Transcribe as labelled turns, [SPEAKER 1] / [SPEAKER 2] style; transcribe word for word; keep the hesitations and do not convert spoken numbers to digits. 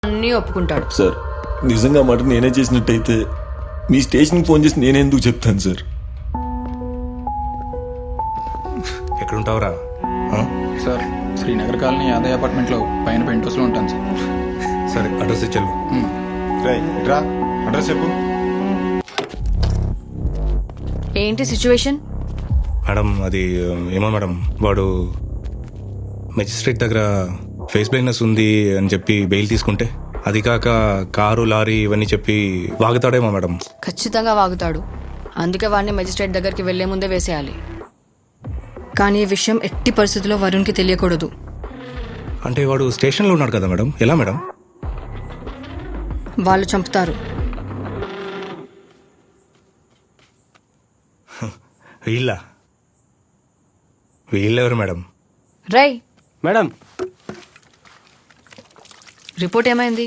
[SPEAKER 1] అన్నీ ఒప్పుకుంటాడు.
[SPEAKER 2] సార్ నిజంగా మాట నేనే చేసినట్టయితే మీ స్టేషన్కి ఫోన్ చేసి నేనే ఎందుకు చెప్తాను సార్?
[SPEAKER 3] ఎక్కడుంటావురా?
[SPEAKER 4] సార్ శ్రీనగర్ కాలనీ యాదయ్య అపార్ట్మెంట్లో పైన పెంట్ హౌస్లో ఉంటాను సార్.
[SPEAKER 3] సరే అడ్రస్ ఇచ్చాను.
[SPEAKER 5] రా అడ్రస్ చెప్పు.
[SPEAKER 1] ఏంటి సిచ్యువేషన్?
[SPEAKER 3] మేడం అది ఏమో మేడం, వాడు మెజిస్ట్రేట్ దగ్గర ఫేస్ బ్లైండ్నెస్ ఉంది అని చెప్పి బెయిల్ తీసుకుంటే, అది కాక కారు లారీ ఇవన్నీ చెప్పి వాగుతాడేమో మేడం.
[SPEAKER 1] ఖచ్చితంగా వాగుతాడు. అందుకే వాడిని మెజిస్ట్రేట్ దగ్గరికి వెళ్లే ముందే వేసేయాలి. కానీ ఈ విషయం ఎట్టి పరిస్థితుల్లో వరుణ్కి తెలియకూడదు.
[SPEAKER 3] అంటే వాడు స్టేషన్లో ఉన్నాడు కదా మేడం, ఎలా మేడం?
[SPEAKER 1] వాళ్ళు చంపుతారు.
[SPEAKER 3] వీళ్ళ వీళ్ళెవరు మేడం?
[SPEAKER 1] రై
[SPEAKER 6] మేడం
[SPEAKER 1] రిపోర్ట్ ఏమైంది?